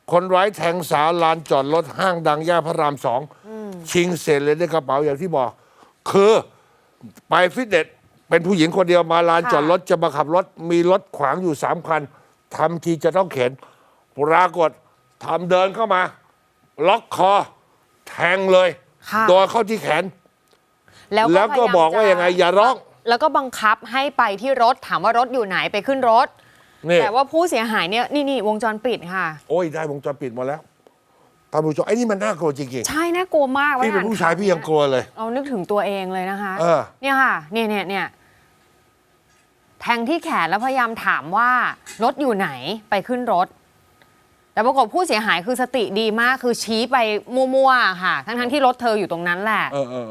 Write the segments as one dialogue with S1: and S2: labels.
S1: คนร้ายแทงสาวลานจอดรถห้างดังย่านพระราม2ชิงเสร็จเลยในกระเป๋าอย่างที่บอกคือไปฟิตเนสเป็นผู้หญิงคนเดียวมาลานจอดรถจะมาขับรถมีรถขวางอยู่3 คันทำทีจะต้องเข็นปรากฏทำเดินเข้ามาล็อกคอแทงเลยโดนเข้าที่แขนแล้วก็บอกว่ายังไงอย่าร้อง
S2: แล้วก็บังคับให้ไปที่รถถามว่ารถอยู่ไหนไปขึ้นรถแต่ว่าผู้เสียหายเนี่ยนี่วงจรปิดค่ะ
S1: โอ้ยได้วงจรปิดมาแล้วท่านผู้ชมไอ้นี่มันน่ากลัวจริง
S2: ๆใช่น่ากลัวมาก
S1: พี่เป็นผู้ชายพี่ยังกลัวเลย
S2: เอานึกถึงตัวเองเลยนะคะเนี่ยค่ะเนี่ยแทงที่แขนแล้วพยายามถามว่ารถอยู่ไหนไปขึ้นรถแต่ปรากฏผู้เสียหายคือสติดีมากคือชี้ไปมั่วๆค่ะทั้งที่รถเธออยู่ตรงนั้นแหละ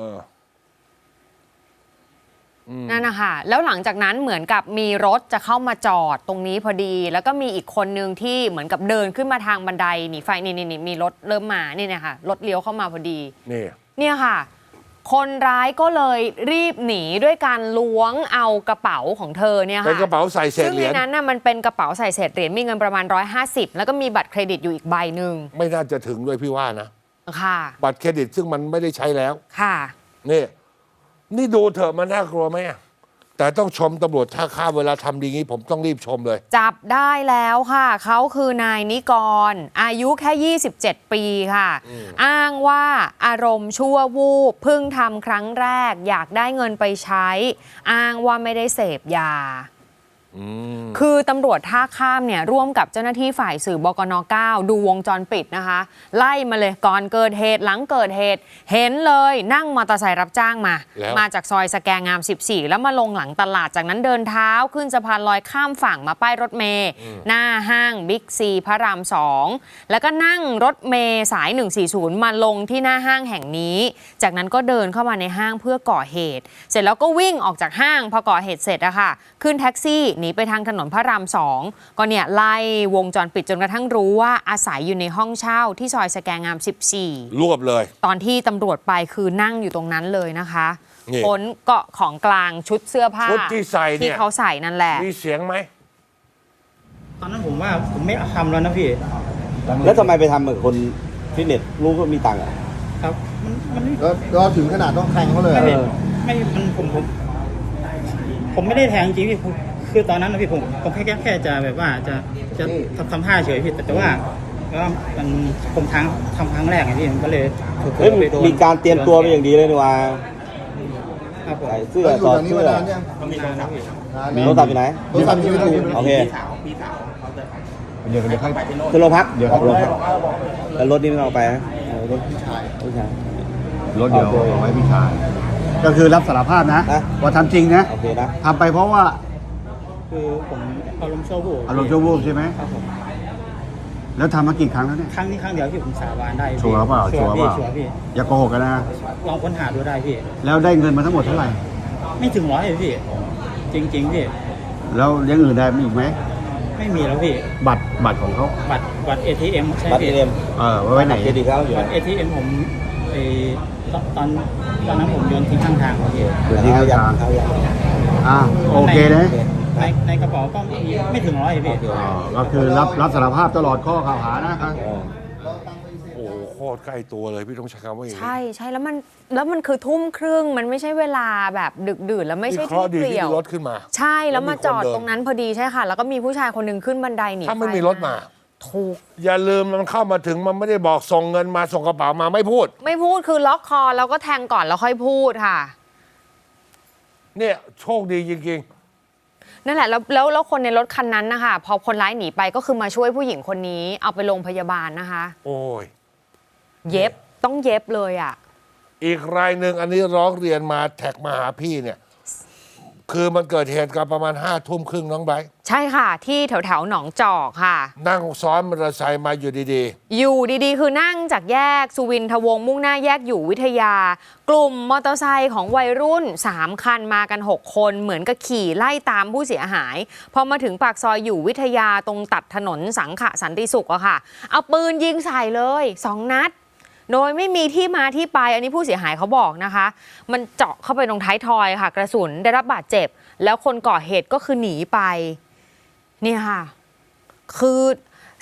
S2: นั่นนะคะแล้วหลังจากนั้นเหมือนกับมีรถจะเข้ามาจอดตรงนี้พอดีแล้วก็มีอีกคนนึงที่เหมือนกับเดินขึ้นมาทางบันไดหนีไฟนี่มีรถเริ่มมานี่นะคะรถเลี้ยวเข้ามาพอดีเนี่ยค่ะคนร้ายก็เลยรีบหนีด้วยการล้วงเอากระเป๋าของเธอเนี่ยค่ะ
S1: เป็นกระเป๋าใส่เศษเหรียญ
S2: ซึ่งในนั้นน่ะมันเป็นกระเป๋าใส่เศษเหรียญมีเงินประมาณ150แล้วก็มีบัตรเครดิตอยู่อีกใบหนึ่ง
S1: ไม่น่าจะถึงด้วยพี่ว่านะ
S2: ค่ะ
S1: บัตรเครดิตซึ่งมันไม่ได้ใช้แล้ว
S2: ค่ะ
S1: นี่ดูเถอะมันน่ากลัวไหมแต่ต้องชมตำรวจท่าข้ามเวลาทำดีงี้ผมต้องรีบชมเลย
S2: จับได้แล้วค่ะเขาคือนายนิกรอายุแค่27 ปีค่ะอ้างว่าอารมณ์ชั่ววูบเพิ่งทำครั้งแรกอยากได้เงินไปใช้อ้างว่าไม่ได้เสพยาคือตำรวจท่าข้ามเนี่ยร่วมกับเจ้าหน้าที่ฝ่ายสื่อบกน. 9ดูวงจรปิดนะคะไล่มาเลยก่อนเกิดเหตุหลังเกิดเหตุเห็นเลยนั่งมอเตอร์ไซค์รับจ้างมาจากซอยสแกงาม14แล้วมาลงหลังตลาดจากนั้นเดินเท้าขึ้นสะพานลอยข้ามฝั่งมาป้ายรถเมล์หน้าห้างบิ๊กซีพระราม2แล้วก็นั่งรถเมล์สาย140มาลงที่หน้าห้างแห่งนี้จากนั้นก็เดินเข้ามาในห้างเพื่อก่อเหตุเสร็จแล้วก็วิ่งออกจากห้างพอก่อเหตุเสร็จอะค่ะขึ้นแท็กซี่หนีไปทางถนนพระราม2ก็เนี่ยไล่วงจรปิดจนกระทั่งรู้ว่าอาศัยอยู่ในห้องเช่าที่ซอยสแกงาม14
S1: รวบเลย
S2: ตอนที่ตำรวจไปคือนั่งอยู่ตรงนั้นเลยนะคะค้นเกาะของกลางชุดเสื้อผ้า
S1: ที่ใส่เนี่ย
S2: ที่เขาใส่นั่นแหละ
S1: มีเสียงไหม
S3: ตอนนั้นผมว่าผมไม่ทำแล้วนะพี่
S4: แล้วทำไมไปทำกับคนฟิตเนสรู้ก็มีตังค์อ่ะ
S3: ครับมัน
S5: ก็ถึงขนาดต้องแทงเขาเลย
S3: ไม่มันผมไม่ได้แทงจริงพี่คือตอนนั้นนะพี่ผมแค่จะแบบว่าจะทำท่าเฉยพี่แต่ว่ามันผมทำครั้งแรกไงพี่มันก็เลย
S4: มีการเตรียมตัวไปอย่างดีเลยนี่ว่าใส่เสื้อต่อเสื้อ
S3: มีนานนะพี่
S4: โทรศัพท์อยู่ไหน
S5: โทรศัพท์อยู่ที่
S4: โอเค
S5: เดี๋ยวให้
S4: ขึ้นโรงพักแล้วรถนี่ไม่เอาไปนะรถ
S5: พี่ชาย
S4: รถเดียว
S5: เอาไว้พี่ชายก็คือรับสารภาพนะว่าทำจริงนะทำไปเพราะว่า
S3: คือผมอารมณ์ชั่ว
S5: วูบใช่ไหมแล้วทำมากี่ครั้งแล้วเนี่ย
S3: ครั้งนี้ครั้งเดียวที่ผมสาบานได้
S5: ชัวร์เปล่าพี่อย่าโกหกกันนะ
S3: ลองค้นหาดูได้พี่
S5: แล้วได้เงินมาทั้งหมดเท่าไหร่
S3: ไม่ถึง100เลยพี่จริงพี่
S5: แล้วยังอื่นได้มีอีกไหม
S3: ไม่มีแล้วพี่
S5: บัตรของเขา
S3: บัตร ATM ใช่
S4: บัตร ATM
S5: ไว้ไหน
S4: เครดิตเขาอยู่
S3: บัตร ATM ผมตอนนั้นผมโยนทิ้งข้างทางพี่
S4: โยนทิ้งข้างทาง
S5: โอเคนะ
S3: ในกระเป๋าก็ไม่ถึง100พี่
S5: ก็คือรับสารภาพตลอดข้อกล่าวหานะครับ
S1: โอ้โคตรใกล้ตัวเลยพี่ต้องใช้คำว่าอย่างนี้
S2: ใช่แล้วมันคือทุ่มครึ่งมันไม่ใช่เวลาแบบดึกดื่นแล้วไม่ใช่
S1: ที่เปลี่ยวรถขึ้นมา
S2: ใช่แล้วมาจอดตรงนั้นพอดีใช่ค่ะแล้วก็มีผู้ชายคนหนึ่งขึ้นบันไดหนี
S1: ถ้าไม่มีรถมา
S2: ถูก
S1: อย่าลืมมันเข้ามาถึงมันไม่ได้บอกส่งเงินมาส่งกระเป๋ามาไม่พูด
S2: คือล็อกคอแล้วก็แทงก่อนแล้วค่อยพูดค่ะ
S1: เนี่ยโชคดีจริง
S2: ๆนั่นแหละแล้วคนในรถคันนั้นนะคะพอคนร้ายหนีไปก็คือมาช่วยผู้หญิงคนนี้เอาไปโรงพยาบาลนะคะ
S1: โอ้ย
S2: เย็บต้องเย็บเลยอ่ะ
S1: อีกรายหนึ่งอันนี้ร้องเรียนมาแท็กมาหาพี่เนี่ยคือมันเกิดเหตุการณ์ประมาณ5:30น้องไบร์ท
S2: ใช่ค่ะที่แถวหนองจอกค่ะ
S1: นั่งซ้อนมอเตอร์ไซค์มาอยู่
S2: ดีๆคือนั่งจากแยกสุวินทวงศ์มุ่งหน้าแยกอยู่วิทยากลุ่มมอเตอร์ไซค์ของวัยรุ่น3คันมากัน6คนเหมือนกับขี่ไล่ตามผู้เสียหายพอมาถึงปากซอยอยู่วิทยาตรงตัดถนนสังขะสันติสุขอะค่ะเอาปืนยิงใส่เลย2 นัดโดยไม่มีที่มาที่ไปอันนี้ผู้เสียหายเขาบอกนะคะมันเจาะเข้าไปตรงท้ายทอยค่ะกระสุนได้รับบาดเจ็บแล้วคนก่อเหตุก็คือหนีไปนี่ค่ะคือ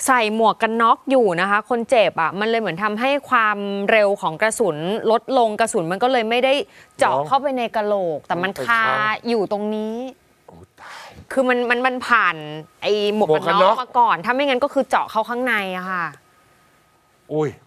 S2: ใส่หมวกกันน็อกอยู่นะคะ คนเจ็บอ่ะมันเลยเหมือนทำให้ความเร็วของกระสุนลดลงกระสุนมันก็เลยไม่ได้เจาะเข้าไปในกะโหลก แต่มันคาอยู่ตรงนี้คือมันผ่านไอ้หมวกกันน็อกมาก่อนถ้าไม่งั้นก็คือเจาะเข้าข้างในอะค่ะ
S1: อุ้ย